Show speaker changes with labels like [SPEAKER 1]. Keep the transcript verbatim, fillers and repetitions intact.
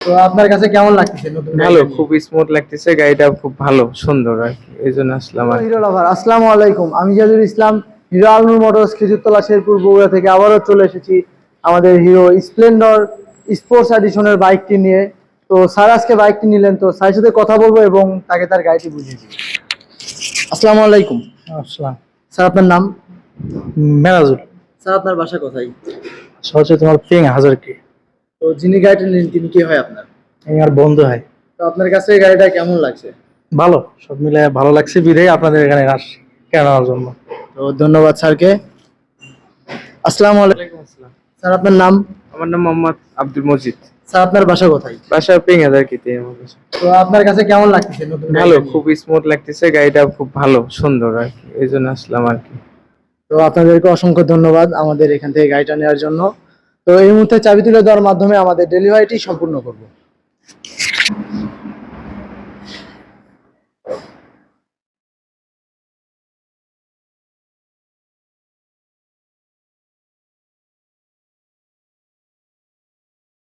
[SPEAKER 1] তো আপনার কাছে কেমন লাগতেছে নতুন
[SPEAKER 2] ভালো,
[SPEAKER 1] গাড়িটা নিয়ে?
[SPEAKER 2] খুব স্মুথ লাগতেছে, গাড়িটা খুব ভালো সুন্দর আর কি, এই জন্য আসলাম আর কি।
[SPEAKER 1] হিরো লাভার, আসসালামু আলাইকুম। আমি জাদুল ইসলাম, হিরো আলনুর মোটরস খেজুরতলা শেরপুর বগুড়া থেকে আবারও চলে এসেছি আমাদের হিরো স্প্লেন্ডর স্পোর্টস এডিশনের বাইকটি নিয়ে। তো স্যার আজকে বাইকটি নিলেন, তো স্যারের সাথে কথা বলবো এবং তাকে তার গাড়িটি বুঝিয়ে দিই। আসসালামু আলাইকুম।
[SPEAKER 3] আসসালাম।
[SPEAKER 1] স্যার আপনার নাম?
[SPEAKER 3] মেরাজুল।
[SPEAKER 1] স্যার আপনার বাসা কোথায়?
[SPEAKER 3] হচ্ছে তোমার পিং হাজার কি,
[SPEAKER 1] তো যিনি গাড়িটা নিলেন তিনি কি হয় আপনার?
[SPEAKER 3] এই আমার বন্ধু হয়।
[SPEAKER 1] তো আপনার কাছে এই গাড়িটা কেমন লাগছে?
[SPEAKER 3] ভালো, সব মিলে ভালো লাগছে, বিধায় আপনাদের এখানে আসছি কেনার জন্য।
[SPEAKER 1] তো ধন্যবাদ স্যারকে। আসসালামু আলাইকুম।
[SPEAKER 2] ওয়ালাইকুম আসসালাম।
[SPEAKER 1] স্যার আপনার নাম?
[SPEAKER 2] আমার নাম মোহাম্মদ আব্দুল মজিদ।
[SPEAKER 1] স্যার আপনার বাসা কোথায়?
[SPEAKER 2] বাসা পিং হাজার কিতে আমার বাসা।
[SPEAKER 1] তো আপনার কাছে কেমন লাগতেছে নতুন
[SPEAKER 2] ভালো,
[SPEAKER 1] গাড়িটা নিয়ে?
[SPEAKER 2] খুব স্মুথ লাগতেছে, গাড়িটা খুব ভালো সুন্দর আর কি, এই জন্য আসলাম আর কি।
[SPEAKER 1] তো আপনাদেরকে অসংখ্য ধন্যবাদ আমাদের এখান থেকে গাড়িটা নেওয়ার জন্য। তো এই মুহূর্তে চাবি তুলে দেওয়ার মাধ্যমে আমাদের ডেলিভারিটি সম্পূর্ণ করব।